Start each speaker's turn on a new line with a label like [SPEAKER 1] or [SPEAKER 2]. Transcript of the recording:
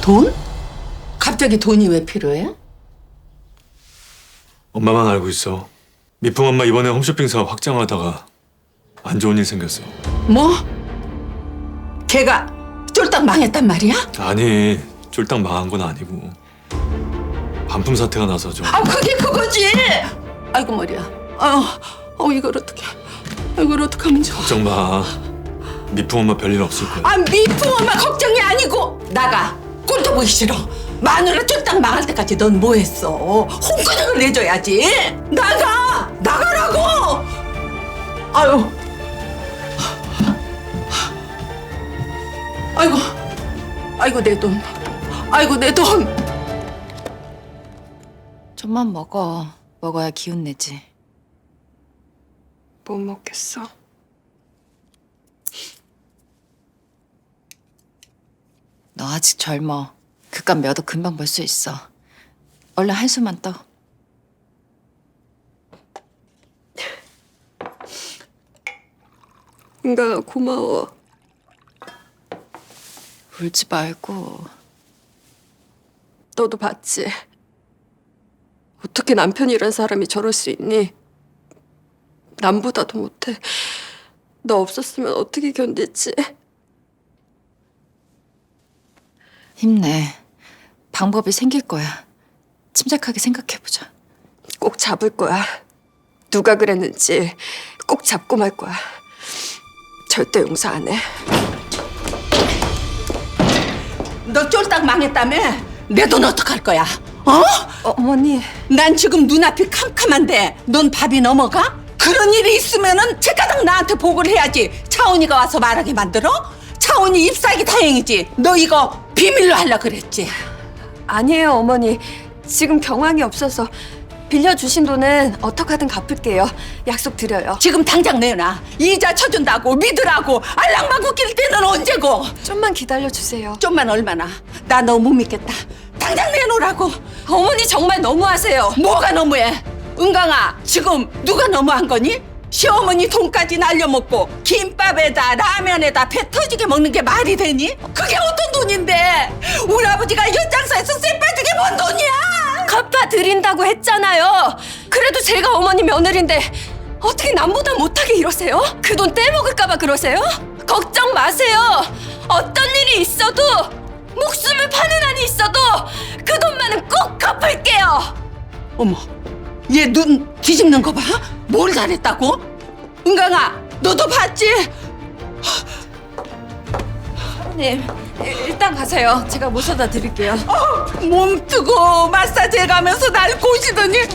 [SPEAKER 1] 돈? 갑자기 돈이 왜 필요해?
[SPEAKER 2] 엄마만 알고 있어. 미풍 엄마 이번에 홈쇼핑 사업 확장하다가 안 좋은 일 생겼어.
[SPEAKER 1] 뭐? 걔가 쫄딱 망했단 말이야?
[SPEAKER 2] 아니, 쫄딱 망한 건 아니고 반품 사태가 나서 좀.
[SPEAKER 1] 아, 그게 그거지! 아이고, 머리야. 이걸 어떡해. 이걸 어떡하면 좋아.
[SPEAKER 2] 걱정 마. 미풍 엄마 별일 없을 거야.
[SPEAKER 1] 아, 미풍 엄마 걱정이 아니고 나가. 꼴도 보기 싫어. 마누라 쫄딱 망할 때까지 넌 뭐 했어? 홍구정을 내줘야지. 나가! 나가라고! 아유. 아이고. 아이고, 내 돈. 아이고, 내 돈.
[SPEAKER 3] 좀만 먹어. 먹어야 기운 내지.
[SPEAKER 4] 못 먹겠어.
[SPEAKER 3] 너 아직 젊어. 그깟 몇억 금방 벌 수 있어. 얼른 한숨만 떠.
[SPEAKER 4] 은가가 고마워.
[SPEAKER 3] 울지 말고.
[SPEAKER 4] 너도 봤지? 어떻게 남편이란 사람이 저럴 수 있니? 남보다도 못해. 너 없었으면 어떻게 견딜지.
[SPEAKER 3] 힘내. 방법이 생길 거야. 침착하게 생각해보자.
[SPEAKER 4] 꼭 잡을 거야. 누가 그랬는지 꼭 잡고 말 거야. 절대 용서 안 해.
[SPEAKER 1] 너 쫄딱 망했다며? 내 돈 어떡할 거야?
[SPEAKER 4] 어머니.
[SPEAKER 1] 난 지금 눈앞이 캄캄한데 넌 밥이 넘어가? 그런 일이 있으면은 제가당 나한테 보고를 해야지. 차은이가 와서 말하게 만들어? 차은이 입사하기 다행이지. 너 이거 비밀로 하려고 그랬지.
[SPEAKER 4] 아니에요, 어머니. 지금 경황이 없어서 빌려주신 돈은 어떡하든 갚을게요. 약속 드려요.
[SPEAKER 1] 지금 당장 내놔. 이자 쳐준다고 믿으라고 알랑방구 낄 때는 언제고.
[SPEAKER 4] 좀만 기다려주세요.
[SPEAKER 1] 좀만 얼마나. 나 너 못 믿겠다. 당장 내놓으라고.
[SPEAKER 4] 어머니 정말 너무하세요.
[SPEAKER 1] 뭐가 너무해? 은강아, 지금 누가 너무한 거니? 시어머니 돈까지 날려먹고 김밥에다 라면에다 배 터지게 먹는 게 말이 되니? 그게 어떤 돈인데? 우리 아버지가 연장사에서 쎄 빠지게 번 돈이야!
[SPEAKER 4] 갚아드린다고 했잖아요. 그래도 제가 어머니 며느리인데 어떻게 남보다 못하게 이러세요? 그 돈 떼먹을까봐 그러세요? 걱정 마세요. 어떤 일이 있어도 목숨을 파는 한이 있어도 그 돈만은 꼭 갚을게요.
[SPEAKER 1] 어머, 얘 눈 뒤집는 거 봐? 뭘 잘했다고? 은강아, 너도 봤지?
[SPEAKER 4] 사모님, 일단 가세요. 제가 모셔다 드릴게요.
[SPEAKER 1] 몸 뜨고 마사지 해가면서 날 꼬시더니